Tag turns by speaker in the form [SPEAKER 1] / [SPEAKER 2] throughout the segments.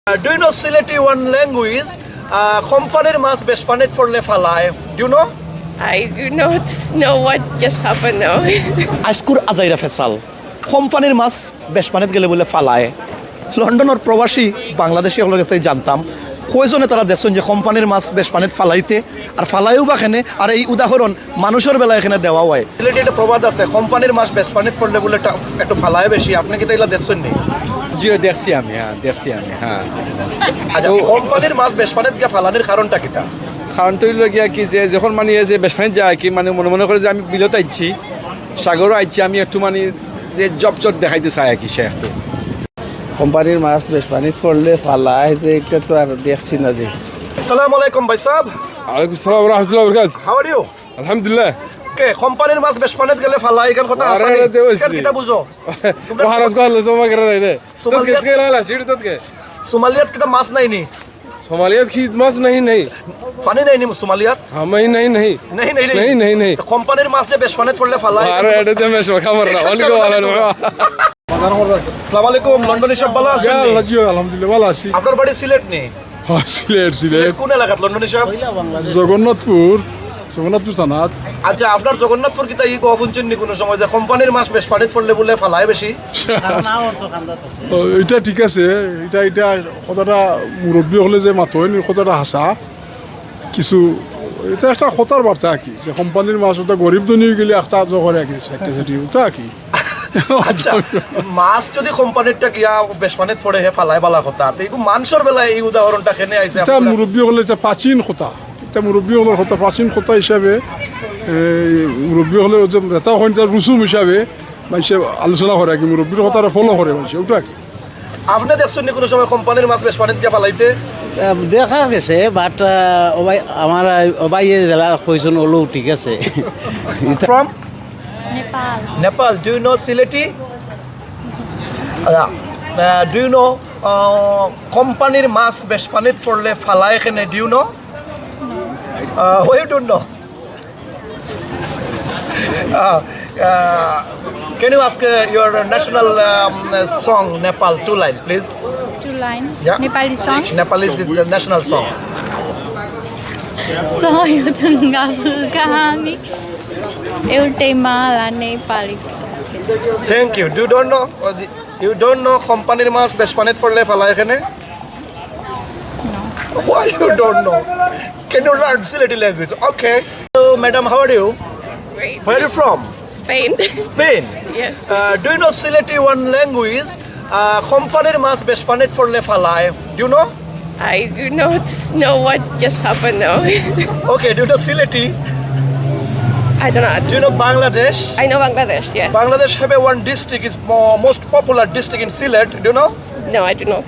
[SPEAKER 1] Do you know Sileti one language? Companyর মাছ বেশ পানিত পড়লে ফালায়. Do you know?
[SPEAKER 2] I do not know what just happened now.
[SPEAKER 1] আজকুর আজাইরা facial কোম্পানির মাছ বেশ পানিত গেলে বলে ফালায়. লন্ডনের প্রবাসী বাংলাদেশি হলের কাছে জানতাম কয়জনে তারা দেখছেন যে কোম্পানির মাছ বেশ পানিত ফালাইতে আর ফালাইও বা এখানে আর এই উদাহরণ মানুষের বেলা এখানে দেওয়া হয়. সিলেটে একটা প্রবাদ আছে কোম্পানির মাছ বেশ পানিত পড়লে বলে একটু ফালায় বেশি. আপনি কি তাইলা দেখছেন নি?
[SPEAKER 3] জিও দেখছি আমি হ্যাঁ
[SPEAKER 1] আচ্ছা কোম্পানির মাছ বেশ পানিত গিয়ে ফালানোর কারণটা কিটা?
[SPEAKER 3] কারণটা হইল গিয়া কি যে যখন মানে যে বেসমানি যায় কি মানে মনে করে যে আমি বিলত আইছি সাগরও আইছি আমি একটু মানে যে জব দেখাইতে চাই আর কি সে একটু
[SPEAKER 4] কোম্পানির মাছ বেশ পানিত পড়লে ফালায় যে এটা তো আর দেখছি না যে।
[SPEAKER 1] আসসালামু আলাইকুম ভাই সাহেব.
[SPEAKER 5] ওয়ালাইকুম আসসালাম ওয়া রাহমাতুল্লাহি ওয়া বারাকাতুহু।
[SPEAKER 1] How are you?
[SPEAKER 5] আলহামদুলিল্লাহ।
[SPEAKER 1] কে কোম্পানির মাছ বেশ পানিত গেলে ফালায় এখান কথা আছে
[SPEAKER 5] আরে দেওয়াইছি।
[SPEAKER 1] কেন কিটা বুঝো?
[SPEAKER 5] ভারত কো আল্লাহ জমা করে রে তোর
[SPEAKER 1] সোমালিয়া-
[SPEAKER 5] কিসকে লালা চিড় তোকে
[SPEAKER 1] সোমালিয়াত কিটা মাছ নাই নি?
[SPEAKER 5] সোমালিয়াত কি মাছ नहीं
[SPEAKER 1] পানি নাই নি সোমালিয়াত?
[SPEAKER 5] हम ही नहीं
[SPEAKER 1] नहीं
[SPEAKER 5] नहीं
[SPEAKER 1] তো কোম্পানির মাছ যে বেশ পানিত পড়লে ফালায়.
[SPEAKER 5] अरे एडे दे मैं खबर ना ওয়ালাইকুম আসসালাম
[SPEAKER 1] আসসালামু আলাইকুম লন্ডনে সব ভালো আছেন?
[SPEAKER 5] ইয়া আল্লাহ জিও আলহামদুলিল্লাহ ভালো আছি
[SPEAKER 1] আপনার বাড়ি সিলেট নি?
[SPEAKER 5] সিলেট
[SPEAKER 1] সিলেট কোন এলাকাত লন্ডনে সব?
[SPEAKER 5] জগন্নাথপুর সানাত
[SPEAKER 1] আচ্ছা আপনার জগন্নাথপুর কিতা ই গফুনচুন নি কোনো সময় যে কোম্পানির মাছ বেশ পানিত পড়লে বলে ফালায় বেশি?
[SPEAKER 5] এটা ঠিক আছে এটা কথাটা মুরব্বী হলে যে মাথো কথাটা হাসা কিছু এটা একটা কথার বার্তা আর কি যে কোম্পানির মাছ ওটা গরিব ধনী গেলে একটা করে আর কি সেটা সেটি ওটা কি
[SPEAKER 1] আচ্ছা মাছ যদি কোম্পানিরটা কিয়া বেশ পানিত পড়ে হে ফালায় বালা কথা তো এই মানুষের বেলায় এই উদাহরণটা কেনে আইছে
[SPEAKER 5] এটা মুরব্বী হলে এটা প্রাচীন কথা এটা মুরব্বী হলের কথা প্রাচীন কথা হিসাবে মুরব্বী হলে এটা হয় রুসুম হিসাবে মানুষে আলোচনা করে আর কি মুরব্বীর কথাটা ফলো করে মানুষ ওটা কি
[SPEAKER 1] আপনি দেখছেন নি কোনো সময় কোম্পানির মাছ বেশ পানিত গিয়া ফালাইতে?
[SPEAKER 4] দেখা গেছে বাট আমার ওবাই জেলা কইসন ওলো ঠিক আছে।
[SPEAKER 1] From
[SPEAKER 2] Nepal.
[SPEAKER 1] Nepal. Do you know Sileti? Do you know কোম্পানির মাছ বেশ পানিত পড়লে ফালায় এখানে? Do you know? Why you don't know? Can you ask your national song Nepal 2 line please?
[SPEAKER 2] Two line.
[SPEAKER 1] Yeah.
[SPEAKER 2] Nepali song.
[SPEAKER 1] Nepalese is the national song.
[SPEAKER 2] Soy tunggal kami. एउटै माला Nepali.
[SPEAKER 1] Thank you. You don't know কোম্পানির মাছ বেশ পানিত পড়লে ফালায় এখানে?
[SPEAKER 2] No.
[SPEAKER 1] Why you don't know? Can you learn Sileti language? Okay. So, madam, how are you?
[SPEAKER 2] Great.
[SPEAKER 1] Where are you from?
[SPEAKER 2] Spain.
[SPEAKER 1] Spain.
[SPEAKER 2] Yes.
[SPEAKER 1] Do you know Sileti one language? কোম্পানির মাছ বেশ পানিত পড়লে ফালায়. Do you know?
[SPEAKER 2] I do not know what just happened now.
[SPEAKER 1] Okay. Do you know Sileti?
[SPEAKER 2] I don't know.
[SPEAKER 1] Do you know Bangladesh?
[SPEAKER 2] I know Bangladesh, yeah.
[SPEAKER 1] Bangladesh have one district is most popular district in Silet. Do you know?
[SPEAKER 2] No, I do not.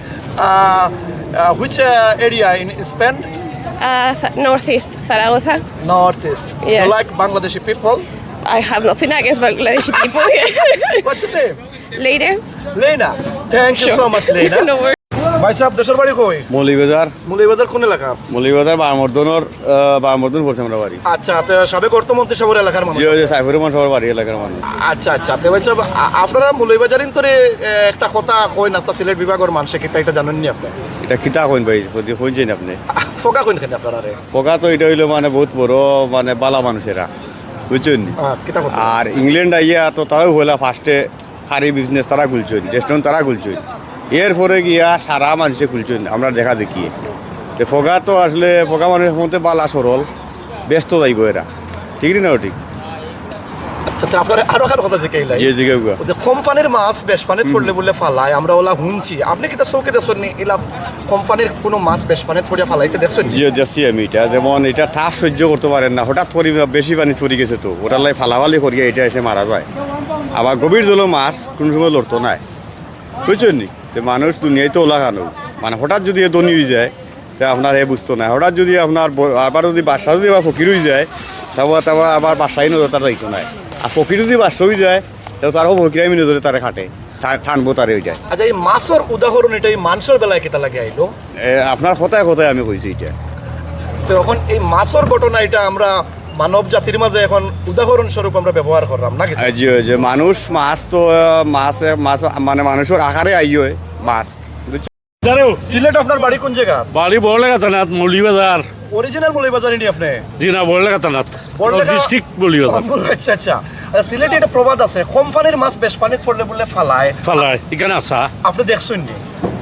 [SPEAKER 1] Which area in Spain?
[SPEAKER 2] Northeast, Zaragoza.
[SPEAKER 1] Northeast.
[SPEAKER 2] Yeah.
[SPEAKER 1] You like Bangladeshi people?
[SPEAKER 2] I have nothing against Bangladeshi people.
[SPEAKER 1] What's your name?
[SPEAKER 2] Later.
[SPEAKER 1] Lena. Thank you so much, Lena.
[SPEAKER 2] No worries.
[SPEAKER 1] ভাই সাহেব দেশের বাড়ি কই?
[SPEAKER 6] মৌলিবাজার
[SPEAKER 1] মুলিবাজার কোন এলাকা?
[SPEAKER 6] মৌলিবাজার বারমর্দন পড়ছে আমরা বাড়ি
[SPEAKER 1] আচ্ছা তো সাবেক অর্থমন্ত্রী সাহেবের এলাকার মানুষ.
[SPEAKER 6] যে সাইফুর রহমান সবার বাড়ি এলাকার মানুষ
[SPEAKER 1] আচ্ছা তো ভাই সাহেব আপনারা মুলিবাজারিন তোরে একটা কথা কই নাস্তা সিলেট বিভাগের মানুষে কি এটা জানেন নি আপনি?
[SPEAKER 6] এটা কিতা কইন ভাই কইছেন আপনি
[SPEAKER 1] ফোকা কইন কেন আপনারা রে?
[SPEAKER 6] পোকা তো এটা হইলো মানে বহুত বড় মানে বালা মানুষেরা বুঝছেন
[SPEAKER 1] কিতা করছেন?
[SPEAKER 6] আর ইংল্যান্ড আইয়া তো তারাও হইলা ফার্স্টে খারি বিজনেস তারা খুলছেন রেস্টুরেন্ট তারা খুলছেন এরপরে গিয়া সারা মানুষে খুলছেন আমরা দেখা দেখি তো ফোকা তো আসলে ফোকা মানুষের মধ্যে বালা সরল ব্যস্ত যাইব এরা ঠিক না ঠিক
[SPEAKER 1] আচ্ছা তো আপনারা আরো কার কথা জিজ্ঞাইলাই
[SPEAKER 6] যে জিগে
[SPEAKER 1] যে কোম্পানির মাছ বেশ পানিত পড়লে বলে ফালায় আমরা ওলা হুনছি আপনি কি তা চৌকে দেখছেন নি এলা কোম্পানির কোনো মাছ বেশ পানিত পড়িয়া ফালাইতে দেখছেন নি?
[SPEAKER 6] যে দেখছি আমি এটা যেমন এটা তাপ সহ্য করতে পারেন না হঠাৎ করে বেশি পানি পড়ে গেছে তো ওটার লাই ফালাফালি করিয়া এটা এসে মারা যায় আবার গভীর জলের মাছ কোনো সময় লড়তো না বুঝছেন নি যে মানুষ দুনিয়ায় তো ওলা খানো মানে হঠাৎ যদি দনি হয়ে যায় তা আপনার এ বুঝতো না হঠাৎ যদি আপনার আবার যদি বাসা যদি আবার ফকির হয়ে যায় তারপর আবার বাসায় নজর তার দায়িত্ব নাই আর ফকির যদি বাসা হয়ে যায় তো তারও ফকিরাই নজরে তারা খাটে ঠানবো তারে হয়ে যায়।
[SPEAKER 1] আচ্ছা এই মাছের উদাহরণ এটা এই মানুষের বেলায় কেতা লাগে আইলো?
[SPEAKER 6] আপনার কথায় কথায় আমি কইছি এটা
[SPEAKER 1] তো এখন এই মাছের ঘটনা এটা আমরা মানব জাতির মাঝে এখন উদাহরণ স্বরূপ আমরা ব্যবহার করলাম নাকি?
[SPEAKER 6] যে মানুষ মাছ তো মাছ মানে মানুষের আকারে আইয় মাছ
[SPEAKER 1] সিলেট আপনার বাড়ি কোন জায়গা?
[SPEAKER 7] বাড়ি বড়লেখা থানাত মৌলিবাজার।
[SPEAKER 1] অরিজিনাল মৌলভীবাজার নি আপনি?
[SPEAKER 7] জি না, বড়লেখা থানাত,
[SPEAKER 1] বড়লেখা-
[SPEAKER 7] ডিস্ট্রিক্ট মৌলিবাজার।
[SPEAKER 1] আচ্ছা আচ্ছা। সিলেটে একটা প্রবাদ আছে, কোম্পানির মাছ বেশ পানিত পড়লে বলে ফালায়।
[SPEAKER 7] ফালাই এখানে আসা,
[SPEAKER 1] আপনি দেখছেন নি?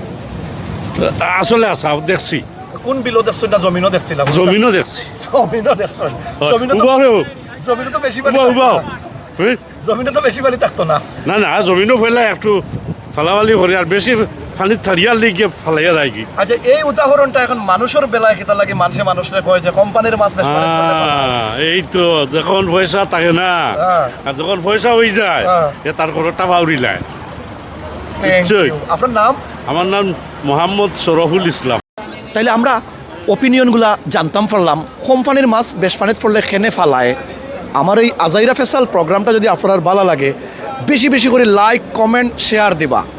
[SPEAKER 7] আসলে আসা দেখছি,
[SPEAKER 1] কোন বিলো দেখছেন না জমিনও দেখছিলাম?
[SPEAKER 7] জমিনও দেখছি।
[SPEAKER 1] জমিনও দেখছেন? জমিনও তো জমিনও তো বেশি পানি থাকতো
[SPEAKER 7] উবাও
[SPEAKER 1] না। জমিনে তো বেশি পানি থাকতো না।
[SPEAKER 7] না না, জমিনও ফেলে একটু ফালাফালি করে, আর বেশি পানি থারিয়ার লিগে ফালাইয়া যায় কি।
[SPEAKER 1] আচ্ছা, এই উদাহরণটা এখন মানুষের বেলায় কেটা লাগে, মানুষের কয় যে কোম্পানির মাছ বেশ পানিত পড়লে ফালায়।
[SPEAKER 7] এই তো যখন পয়সা থাকে না,
[SPEAKER 1] হ্যাঁ।
[SPEAKER 7] আর যখন পয়সা হয়ে যায়,
[SPEAKER 1] হ্যাঁ।
[SPEAKER 7] এ তার কোনোটা বাউরি লায়।
[SPEAKER 1] Thank
[SPEAKER 7] নিশ্চয়ই।
[SPEAKER 1] you. আপনার নাম?
[SPEAKER 7] আমার নাম মোহাম্মদ শরফুল ইসলাম।
[SPEAKER 1] তাইলে আমরা ওপিনিয়নগুলা জানতাম পারলাম, কোম্পানির মাছ বেশ পানিত পড়লে খেনে ফালায়। আমার এই আজাইরা ফেসাল প্রোগ্রামটা যদি আপনার ভালো লাগে, বেশি বেশি করে লাইক, কমেন্ট, শেয়ার দিবা।